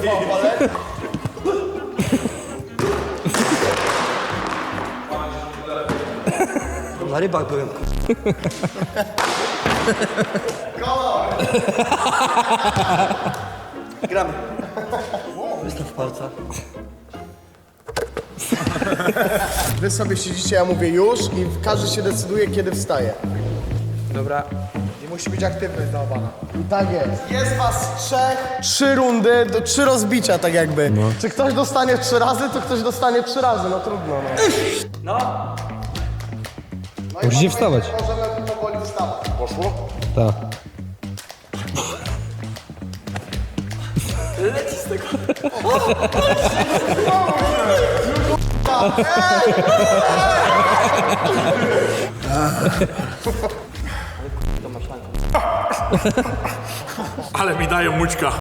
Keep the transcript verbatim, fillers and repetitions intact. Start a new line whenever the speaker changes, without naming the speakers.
Na rybach byłem. Gramy. Wystaw palca.
Wy sobie siedzicie, ja mówię już i każdy się decyduje, kiedy wstaje.
Dobra. I musi być aktywność dawana.
I tak jest. Jest was trzech, trzy rundy, do, trzy rozbicia tak jakby. Czy ktoś dostanie trzy razy, to ktoś dostanie trzy razy, no trudno. No. No.
Musicie wstawać.
Możemy powoli wstawać. Poszło?
Tak.
Ale mi dają mućka.